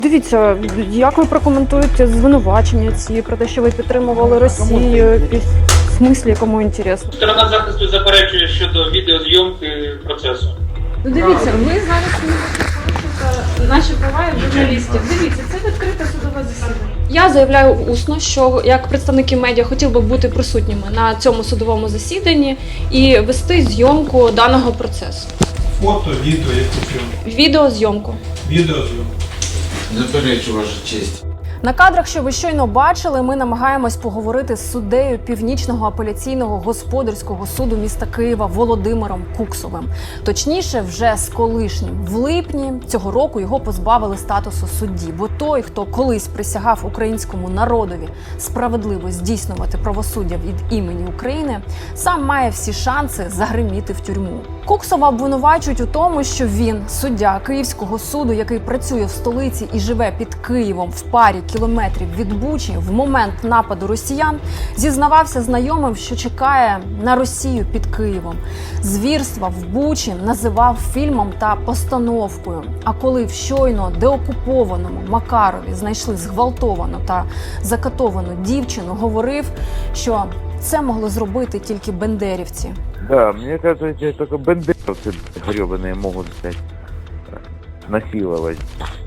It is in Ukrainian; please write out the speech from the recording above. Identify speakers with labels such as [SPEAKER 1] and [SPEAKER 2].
[SPEAKER 1] Дивіться, як ви прокоментуєте звинувачення ці про те, що ви підтримували Росію? В смислі, якому інтересно?
[SPEAKER 2] Сторона захисту заперечує щодо відеозйомки процесу.
[SPEAKER 1] Ну дивіться, ви зараз порушуєте наші права як журналістів. Дивіться, це відкрите судове засідання. Я заявляю усно, що як представники медіа хотів би бути присутніми на цьому судовому засіданні і вести зйомку даного процесу.
[SPEAKER 3] Фото, відео, яку зйомку?
[SPEAKER 1] Відеозйомку.
[SPEAKER 3] Відеозйомку.
[SPEAKER 4] Заперечу, ваша честь.
[SPEAKER 1] На кадрах, що ви щойно бачили, ми намагаємось поговорити з суддею Північного апеляційного господарського суду міста Києва Володимиром Куксовим. Точніше, вже з колишнім. В липні цього року його позбавили статусу судді, бо той, хто колись присягав українському народові справедливо здійснювати правосуддя від імені України, сам має всі шанси загриміти в тюрму. Куксова обвинувачують у тому, що він, суддя Київського суду, який працює в столиці і живе під Києвом в парі кілометрів від Бучі, в момент нападу росіян зізнавався знайомим, що чекає на Росію під Києвом. Звірства в Бучі називав фільмом та постановкою. А коли в щойно деокупованому Макарові знайшли зґвалтовану та закатовану дівчину, говорив, що це могли зробити тільки бендерівці.
[SPEAKER 5] Да, мне кажется, только бандеровцы гребаные могут, блядь, насиловать.